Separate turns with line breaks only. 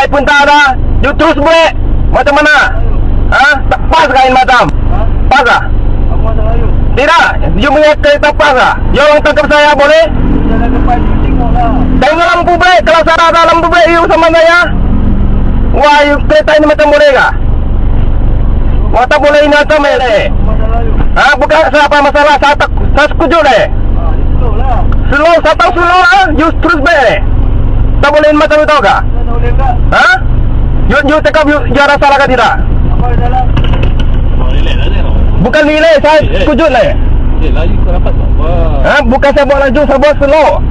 Light pun tak ada. You terus break. Macam mana? Ha? Tak pas kain macam? Pas lah?
Apa masalah you?
Tidak. You punya kereta pas lah? You orang tangkap saya boleh?
Jalan depan you tengok lah.
Tengok lampu break. Kalau saya ada lampu break you sama saya. Wah, you kereta ini macam boleh kah? Wah, tak boleh ini macam ni.
Apa masalah you?
Ha? Bukan siapa masalah. Saya setuju deh.
You slow lah.
Slow, saya tahu slow lah. You terus break. Tak boleh ini macam itu kah?
Kita tak boleh tak?
Ha? You cakap you ada salah kah tidak?
Apa ada salah?
Bukan nilai, saya setuju lah.
Laju kau dapat tak? Wah.
Ha? Bukan saya buat laju, saya buat slow.